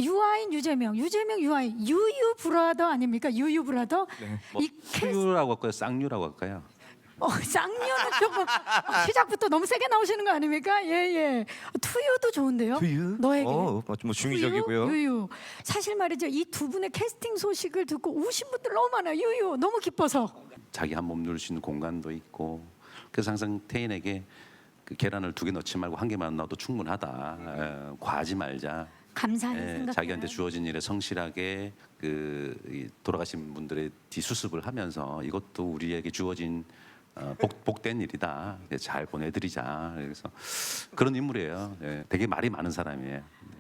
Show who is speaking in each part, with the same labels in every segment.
Speaker 1: 유아인 유재명, 유재명 유아인, 유유 브라더 아닙니까? 유유 브라더.
Speaker 2: 네.
Speaker 3: 뭐
Speaker 1: 이
Speaker 3: 투유라고 할까요? 쌍유라고 할까요?
Speaker 1: 쌍녀는 조금 시작부터 너무 세게 나오시는 거 아닙니까? 예예. 투유도 좋은데요.
Speaker 2: 투유?
Speaker 1: 너에게.
Speaker 2: 뭐 중의적이고요.
Speaker 1: 투유, 유유. 사실 말이죠. 이 두 분의 캐스팅 소식을 듣고 우신 분들 너무 많아요. 유유 너무 기뻐서.
Speaker 3: 자기 한 몸 누울 수 있는 공간도 있고 그래서 항상 태인에게 그 계란을 2개 넣지 말고 1개만 넣어도 충분하다. 과하지 말자.
Speaker 1: 감사하는 생각.
Speaker 3: 자기한테 주어진 일에 성실하게 이 돌아가신 분들의 뒤수습을 하면서 이것도 우리에게 주어진 복된 일이다. 잘 보내드리자. 그래서 그런 인물이에요. 되게 말이 많은 사람이에요.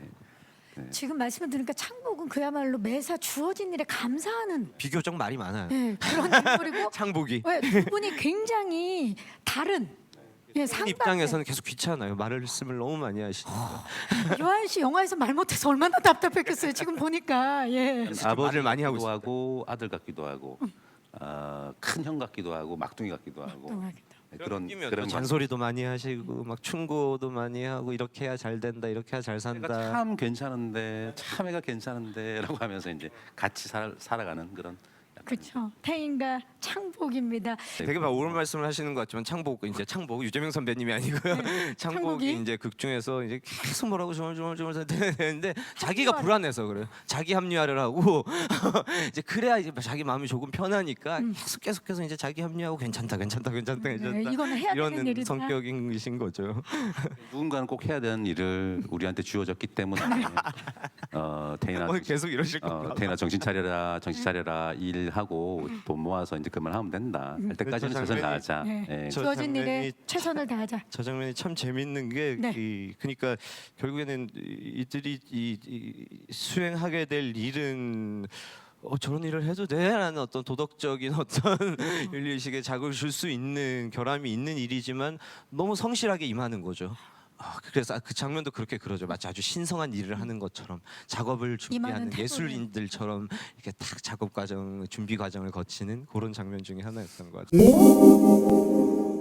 Speaker 1: 지금 말씀을 들으니까 창복은 그야말로 매사 주어진 일에 감사하는
Speaker 2: 비교적 말이 많아요.
Speaker 1: 그런 인물이고
Speaker 2: 창복이.
Speaker 1: 두 분이 굉장히 다른 상당히
Speaker 2: 입장에서는 계속 귀찮아요. 말씀을 너무 많이 하시니까.
Speaker 1: 유아인 씨 영화에서 말 못해서 얼마나 답답했겠어요. 지금 보니까
Speaker 2: 말을
Speaker 3: 아버지
Speaker 2: 많이 하고
Speaker 3: 같기도 하고 아들 같기도 하고 큰 형 같기도 하고 막둥이 같기도 하고 그런
Speaker 2: 잔소리도 많이 하시고 막 충고도 많이 하고 이렇게 해야 잘 된다, 이렇게 해야 잘 산다.
Speaker 3: 내가 참 괜찮은데 참 애가 괜찮은데라고 하면서 이제 같이 살아가는 그런.
Speaker 1: 그렇죠. 태인과 창복입니다.
Speaker 2: 되게 막 옳은 말씀을 하시는 것 같지만 창복 유재명 선배님이 아니고요.
Speaker 1: 창복이?
Speaker 2: 창복이 이제 극 중에서 이제 계속 뭐라고 조물조물 되는데 자기가 불안해서 그래요. 자기 합리화를 하고 이제 그래야 이제 자기 마음이 조금 편하니까 계속해서 이제 자기 합리화하고 괜찮다.
Speaker 1: 이거는 해야 되는
Speaker 2: 이런
Speaker 1: 일이다.
Speaker 2: 성격이신 거죠.
Speaker 3: 누군가는 꼭 해야 되는 일을 우리한테 주어졌기 때문에 태인아
Speaker 2: 계속 이러실 겁니다.
Speaker 3: 태인아 정신 차려라 일하고 돈 모아서 이제 그만하면 된다. 할 때까지는 최선을 다하자.
Speaker 2: 저
Speaker 1: 주어진 일에
Speaker 2: 장면이
Speaker 1: 최선을 다하자.
Speaker 2: 저 장면이 참 재밌는 게 그러니까 결국에는 이들이 이 수행하게 될 일은 저런 일을 해도 돼라는 어떤 도덕적인 어떤 윤리의식에 자극을 줄 수 있는 결함이 있는 일이지만 너무 성실하게 임하는 거죠. 그래서 그 장면도 그렇게 그러죠. 마치 아주 신성한 일을 하는 것처럼 작업을 준비하는
Speaker 1: 태도는.
Speaker 2: 예술인들처럼 이렇게 딱 작업 과정, 준비 과정을 거치는 그런 장면 중에 하나였던 것 같아요.